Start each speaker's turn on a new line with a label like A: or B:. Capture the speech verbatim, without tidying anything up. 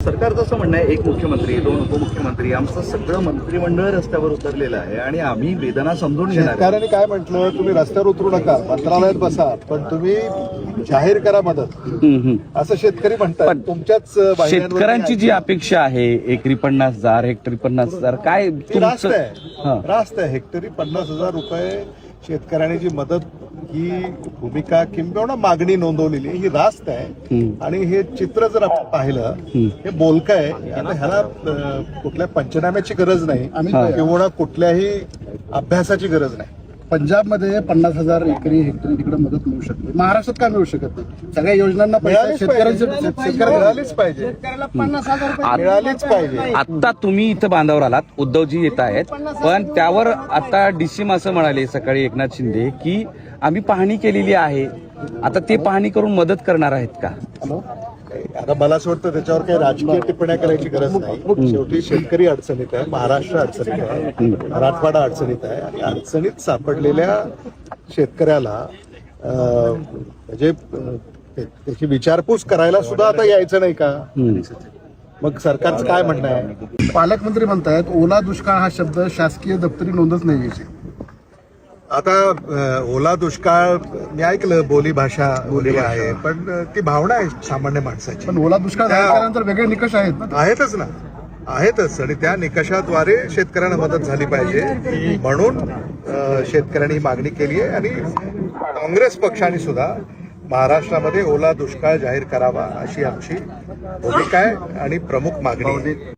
A: सरकारचं असं म्हणणं आहे, एक मुख्यमंत्री, दोन उपमुख्यमंत्री, आमचं सगळं मंत्रिमंडळ रस्त्यावर उतरलेलं आहे आणि आम्ही वेदना समजून घेणार.
B: शेतकऱ्यांनी काय म्हटलं, तुम्ही रस्त्यावर उतरू नका, मंत्रालयात बसा, पण तुम्ही जाहीर करा मदत, असं शेतकरी म्हणतात. तुमच्याच
C: शेतकऱ्यांची जी अपेक्षा आहे एकरी पन्नास हजार हेक्टरी पन्नास हजार काय
B: रास्त
C: तुमचं-
B: आहे
C: हां.
B: रास्त आहे हेक्टरी पन्नास हजार रुपये शेतकऱ्यांनी जी मदत ही भूमिका किंबहुना मागणी नोंदवलेली आहे, ही रास्त आहे. आणि हे चित्र जर आपण पाहिलं, हे बोलकं आहे. आता ह्याला अं, कुठल्या पंचनाम्याची गरज नाही किंवा कुठल्याही अभ्यासाची गरज नाही.
D: पंजाबमध्ये पन्नास हजार एकरी हेक्टरी तिकडे मदत मिळू शकते, महाराष्ट्रात का मिळू शकत नाही? सगळ्या योजनांना पैसा
B: मिळालीच पाहिजे,
D: शेतकऱ्यांच्या
B: मिळालीच पाहिजे,
D: पन्नास हजार रुपये
B: मिळालीच पाहिजे.
C: आता तुम्ही इथं बांधावर आलात, उद्धवजी येत आहेत, पण त्यावर आता डीसीम असं म्हणाले सकाळी एकनाथ शिंदे की आम्ही पाहणी केलेली आहे, आता ते पाहणी करून मदत करणार आहेत का?
B: आता मला असं वाटतं त्याच्यावर काही राजकीय टिप्पण्या करायची गरज नाही. शेवटी शेतकरी अडचणीत आहे, महाराष्ट्र अडचणीत आहे, मराठवाडा अडचणीत आहे. आणि अडचणीत सापडलेल्या शेतकऱ्याला अं, म्हणजे अं, ते- त्याची विचारपूस करायला सुद्धा आता यायचं नाही का? मग सरकारचं काय म्हणणं आहे?
D: पालकमंत्री म्हणतायत ओला दुष्काळ हा शब्द शासकीय दप्तरी नोंदच नाही याची.
B: आता अं, ओला दुष्काळ मी ऐकलं, बोली भाषा बोली आहे, पण अं, ती भावना आहे सामान्य माणसाची.
D: पण ओला दुष्काळ
B: त्या-
D: जाहीर केल्यानंतर वेगळे निकष आहेत ना.
B: आहेतच ना, आहेतच. आणि त्या निकषाद्वारे शेतकऱ्यांना मदत झाली पाहिजे म्हणून अं, शेतकऱ्यांनी ही मागणी केली आहे. आणि काँग्रेस पक्षाने सुद्धा महाराष्ट्रामध्ये ओला दुष्काळ जाहीर करावा अशी आमची भूमिका आहे आणि प्रमुख मागणी आहे.